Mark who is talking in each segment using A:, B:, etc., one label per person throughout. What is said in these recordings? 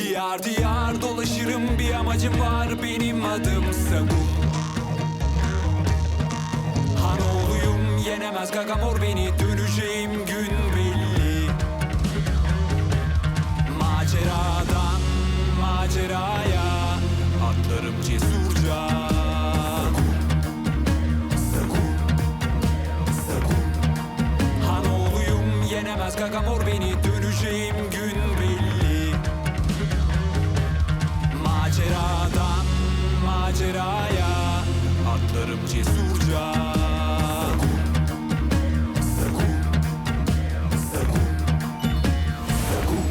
A: Diyar diyar dolaşırım, bir amacım var, benim adım Sagun. Hanoğluyum, yenemez Gagamor beni, döneceğim gün belli. Maceradan maceraya atlarım cesurca. Sagun, Sagun. Hanoğluyum, yenemez Gagamor beni, döneceğim gün belli. Maceradan maceraya atlarım cesurca. Sagun, Sagun, Sagun.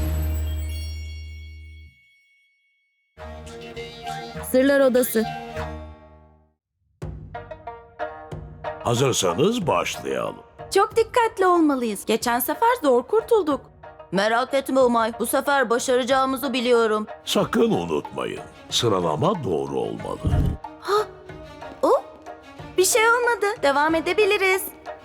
B: Sırlar Odası.
C: Hazırsanız başlayalım.
B: Çok dikkatli olmalıyız. Geçen sefer zor kurtulduk. Merak etme Umay. Bu sefer başaracağımızı biliyorum.
C: Sakın unutmayın, sıralama doğru olmalı.
B: Oh, bir şey olmadı. Devam edebiliriz.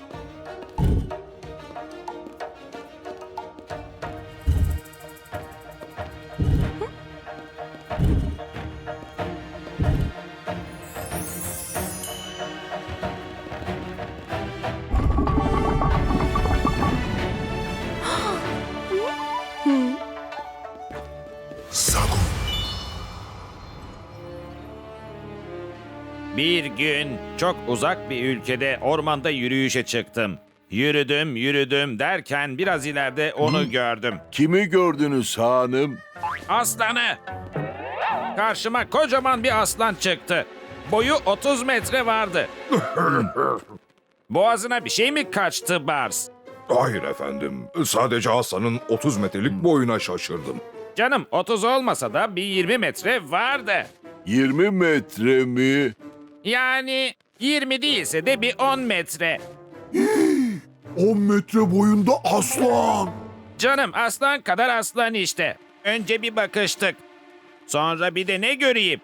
D: Bir gün çok uzak bir ülkede ormanda yürüyüşe çıktım. Yürüdüm, yürüdüm derken biraz ileride onu gördüm.
E: Kimi gördünüz hanım?
D: Aslanı! Karşıma kocaman bir aslan çıktı. Boyu 30 metre vardı. Boğazına bir şey mi kaçtı Bars?
F: Hayır efendim. Sadece aslanın 30 metrelik boyuna şaşırdım.
D: Canım 30 olmasa da bir 20 metre vardı.
E: 20 metre mi?
D: Yani 20 değilse de bir 10 metre.
E: 10 metre boyunda aslan.
D: Canım aslan kadar aslan işte. Önce bir bakıştık. Sonra bir de ne göreyim?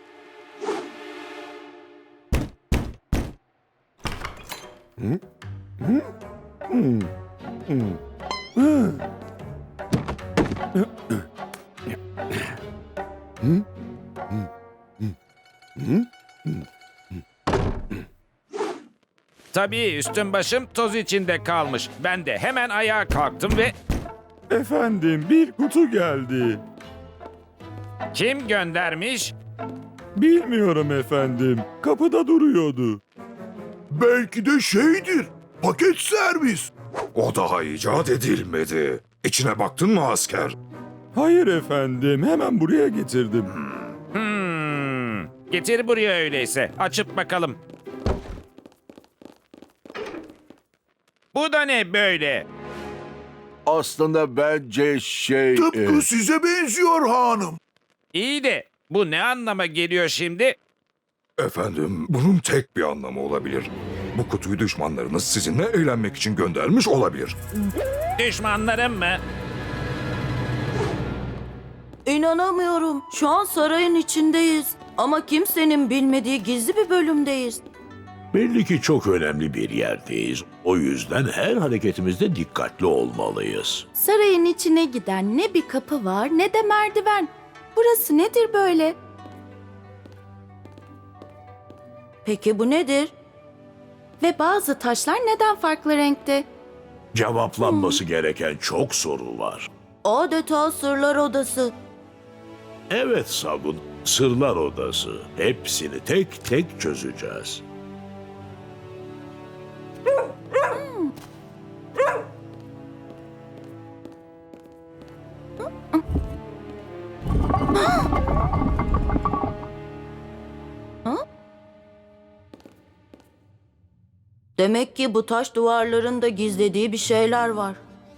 D: Tabii üstüm başım toz içinde kalmış. Ben de hemen ayağa kalktım ve
G: Efendim, bir kutu geldi.
D: kim göndermiş?
G: Bilmiyorum efendim. Kapıda duruyordu.
E: Belki de şeydir. Paket servis.
F: O daha icat edilmedi. İçine baktın mı asker?
G: Hayır efendim, hemen buraya getirdim.
D: Getir buraya öyleyse. Açıp bakalım. Bu da ne böyle?
E: Aslında bence
F: Tıpkı size benziyor hanım.
D: İyi de bu ne anlama geliyor şimdi?
F: Efendim, bunun tek bir anlamı olabilir. Bu kutuyu düşmanlarınız sizinle eğlenmek için göndermiş olabilir.
D: Düşmanlarım mı?
B: İnanamıyorum. Şu an sarayın içindeyiz. Ama kimsenin bilmediği gizli bir bölümdeyiz.
C: Belli ki çok önemli bir yerdeyiz. O yüzden her hareketimizde dikkatli olmalıyız.
B: Sarayın içine giden ne bir kapı var ne de merdiven. Burası nedir böyle? Peki bu nedir? Ve bazı taşlar neden farklı renkte?
C: Cevaplanması gereken çok soru var.
B: Adeta sırlar odası.
C: Evet Sagun, Sırlar Odası. Hepsini tek tek çözeceğiz.
B: Demek ki bu taş duvarlarında gizlediği bir şeyler var.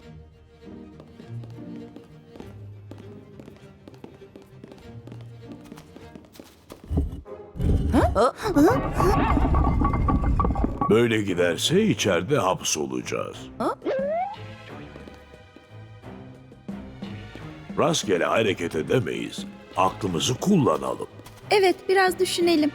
C: Böyle giderse içeride hapsolacağız. Rastgele hareket edemeyiz. Aklımızı kullanalım.
H: Evet, biraz düşünelim.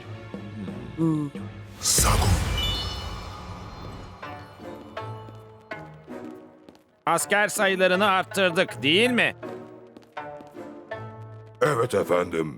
D: Asker sayılarını arttırdık değil mi?
F: Evet efendim.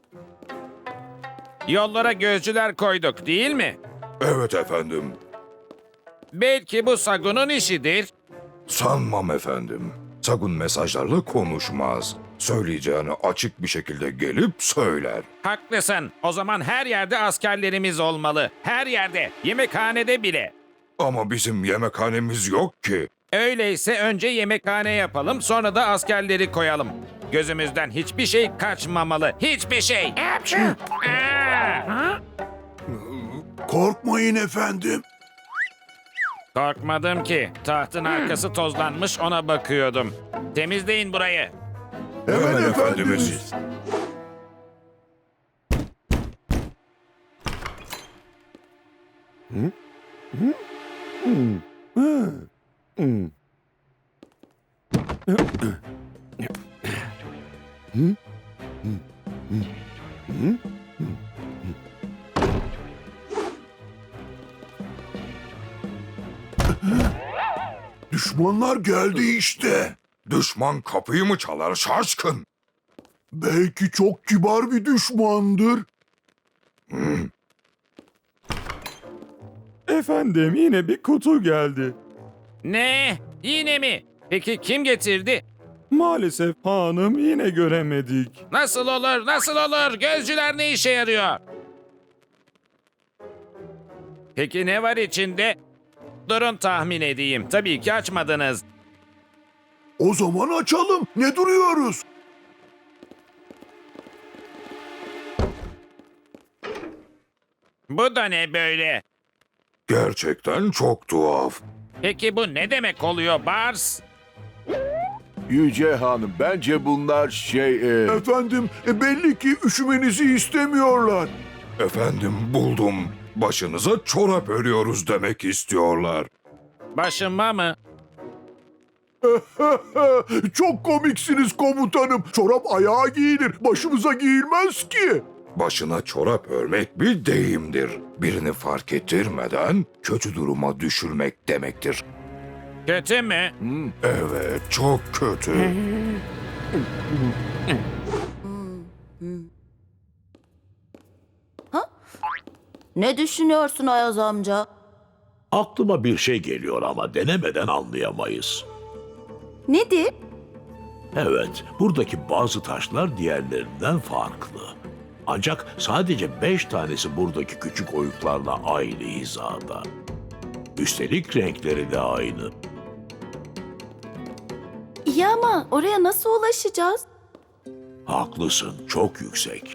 D: Yollara gözcüler koyduk değil mi?
F: Evet efendim.
D: Belki bu Sagun'un işidir.
F: Sanmam efendim. Sagun mesajlarla konuşmaz. Söyleyeceğini açık bir şekilde gelip söyler.
D: Haklısın. O zaman her yerde askerlerimiz olmalı. Her yerde. Yemekhanede bile.
F: Ama bizim yemekhanemiz yok ki.
D: Öyleyse önce yemekhane yapalım, sonra da askerleri koyalım. Gözümüzden hiçbir şey kaçmamalı. Hiçbir şey. Aa!
E: Korkmayın efendim.
D: Korkmadım ki. Tahtın arkası tozlanmış, ona bakıyordum. Temizleyin burayı.
E: Hemen efendimiz. Düşmanlar geldi işte.
F: Düşman kapıyı mı çalar şaşkın?
E: Belki çok kibar bir düşmandır.
G: Efendim yine bir kutu geldi.
D: Ne? Yine mi? Peki kim getirdi?
G: Maalesef hanım yine göremedik.
D: Nasıl olur? Nasıl olur? Gözcüler ne işe yarıyor? Peki ne var içinde? Durun tahmin edeyim. Tabii ki açmadınız.
E: O zaman açalım. Ne duruyoruz?
D: Bu da ne böyle?
F: Gerçekten çok tuhaf.
D: Peki bu ne demek oluyor Bars?
E: Yüce Hanım, bence bunlar Efendim, belli ki üşümenizi istemiyorlar.
F: Efendim buldum. Başınıza çorap örüyoruz demek istiyorlar.
D: Başıma mı?
E: Çok komiksiniz komutanım. Çorap ayağa giyilir, başımıza giyilmez ki.
F: Başına çorap örmek bir deyimdir. Birini fark ettirmeden kötü duruma düşürmek demektir.
D: Kötü mü?
F: Evet, çok kötü.
B: Ne düşünüyorsun Ayaz amca?
C: Aklıma bir şey geliyor ama denemeden anlayamayız.
B: Nedir?
C: Evet, buradaki bazı taşlar diğerlerinden farklı. Ancak sadece 5 tanesi buradaki küçük oyuklarla aynı hizada. Üstelik renkleri de aynı.
B: İyi ama oraya nasıl ulaşacağız?
C: Haklısın, çok yüksek.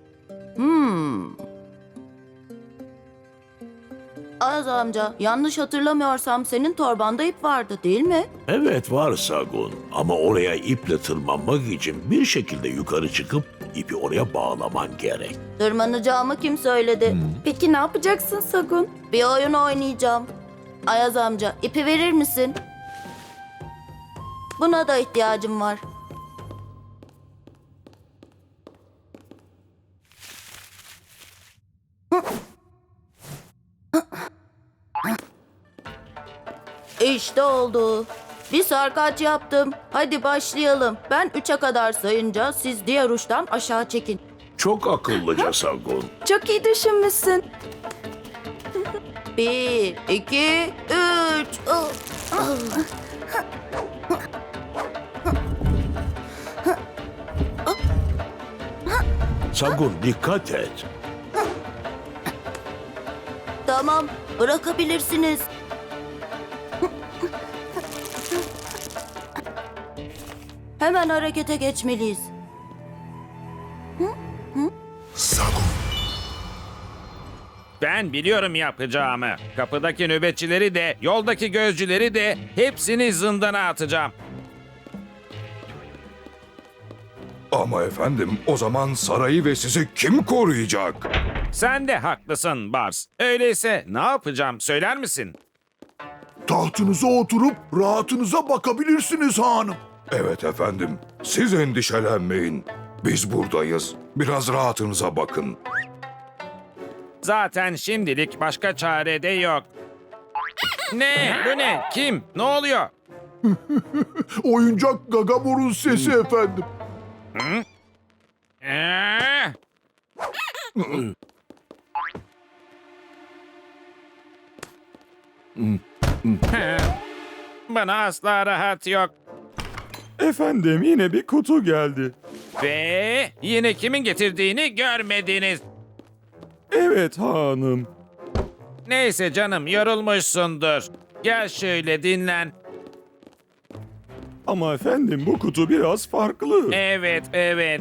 B: Ayaz amca, yanlış hatırlamıyorsam senin torbanda ip vardı değil mi?
C: Evet var Sagun ama oraya iple tırmanmak için bir şekilde yukarı çıkıp ipi oraya bağlaman gerek.
B: Tırmanacağımı kim söyledi? Peki ne yapacaksın Sagun? Bir oyun oynayacağım. Ayaz amca, ipi verir misin? Buna da ihtiyacım var. İşte oldu. Bir sarkaç yaptım. Hadi başlayalım. Ben 3'e kadar sayınca siz diğer uçtan aşağı çekin.
C: Çok akıllıca Sagun.
B: Çok iyi düşünmüşsün. 1, 2, 3.
C: Sagun dikkat et.
B: Tamam, bırakabilirsiniz. Hemen harekete geçmeliyiz.
D: Ben biliyorum yapacağımı. Kapıdaki nöbetçileri de, yoldaki gözcüleri de hepsini zindana atacağım.
F: Ama efendim o zaman sarayı ve sizi kim koruyacak?
D: Sen de haklısın Bars. Öyleyse ne yapacağım söyler misin?
E: Tahtınıza oturup rahatınıza bakabilirsiniz hanım.
F: Evet efendim, siz endişelenmeyin. Biz buradayız. Biraz rahatınıza bakın.
D: Zaten şimdilik başka çare de yok. Ne? Bu ne? Kim? Ne oluyor?
E: Oyuncak Gagamor'un sesi efendim.
D: Ah! Bana asla rahat yok.
G: Efendim yine bir kutu geldi.
D: Ve yine kimin getirdiğini görmediniz.
G: Evet hanım.
D: Neyse canım, yorulmuşsundur. Gel şöyle dinlen.
G: Ama efendim bu kutu biraz farklı.
D: Evet, evet.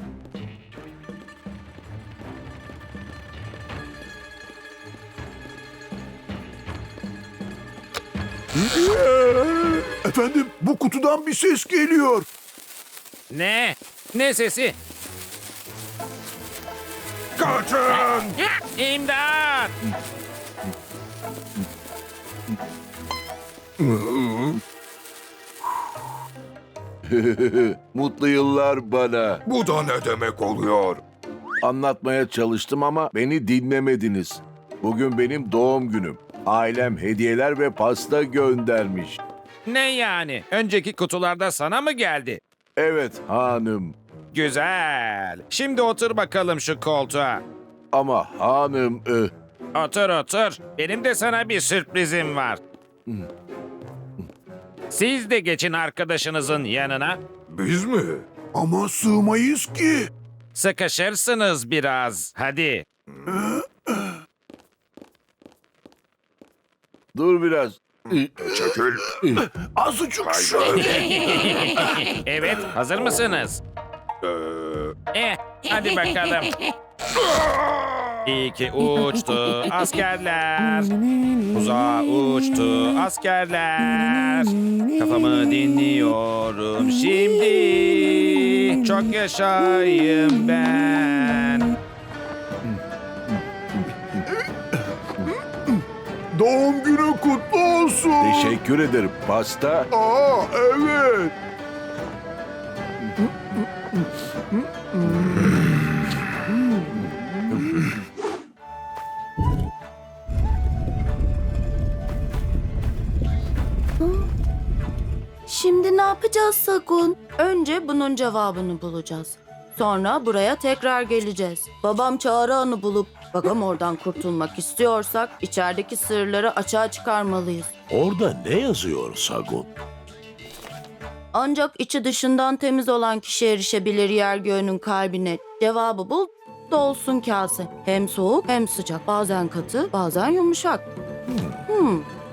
E: Efendim bu kutudan bir ses geliyor.
D: Ne? Ne sesi?
F: Kaçın!
D: İmdat!
I: Mutlu yıllar bana.
F: Bu da ne demek oluyor?
I: Anlatmaya çalıştım ama beni dinlemediniz. Bugün benim doğum günüm. Ailem hediyeler ve pasta göndermiş.
D: Ne yani? Önceki kutularda sana mı geldi?
I: Evet hanım.
D: Güzel. Şimdi otur bakalım şu koltuğa.
I: Ama hanım...
D: Otur otur. Benim de sana bir sürprizim var. Siz de geçin arkadaşınızın yanına.
F: Biz mi?
E: Ama sığmayız ki.
D: Sıkışırsınız biraz. Hadi.
I: Dur biraz.
F: Çekil.
E: Azıcık şöyle.
D: Evet, hazır mısınız? Hadi bakalım. İyi ki uçtu askerler. Uzağa uçtu askerler. Kafamı dinliyorum şimdi. Çok yaşayayım ben.
E: Doğum günü kutlu olsun.
I: Teşekkür ederim. Pasta.
E: Aa evet.
B: Şimdi ne yapacağız Sakun? Önce bunun cevabını bulacağız. Sonra buraya tekrar geleceğiz. Babam çağrı anı bulup Bagamor'dan kurtulmak istiyorsak içerideki sırları açığa çıkarmalıyız.
C: Orada ne yazıyor Sagun?
B: Ancak içi dışından temiz olan kişi erişebilir yer göğünün kalbine. Cevabı bul, dolsun kase. Hem soğuk hem sıcak. Bazen katı, bazen yumuşak.